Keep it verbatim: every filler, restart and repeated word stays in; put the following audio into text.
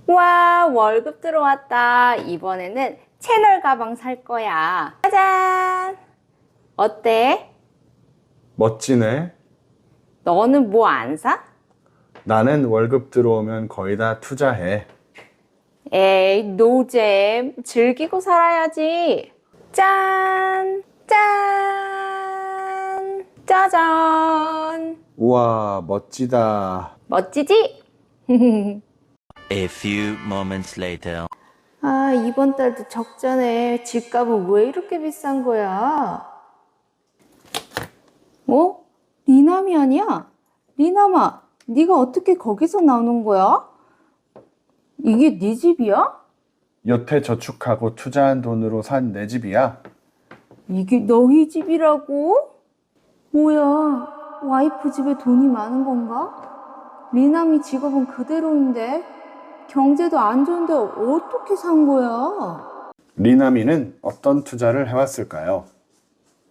와, 월급 들어왔다. 이번에는 채널 가방 살 거야. 짜잔! 어때? 멋지네. 너는 뭐 안 사? 나는 월급 들어오면 거의 다 투자해. 에이, 노잼. 즐기고 살아야지. 짠! 짠! 짜잔! 우와, 멋지다. 멋지지? A few moments later. 아, 이번 달도 적자네. 집값은 왜 이렇게 비싼 거야? 어? 리남이 아니야? 리남아, 네가 어떻게 거기서 나오는 거야? 이게 네 집이야? 여태 저축하고 투자한 돈으로 산 내 집이야. 이게 너희 집이라고? 뭐야, 와이프 집에 돈이 많은 건가? 리남이 직업은 그대로인데 경제도 안 좋은데 어떻게 산 거야? 리나미는 어떤 투자를 해왔을까요?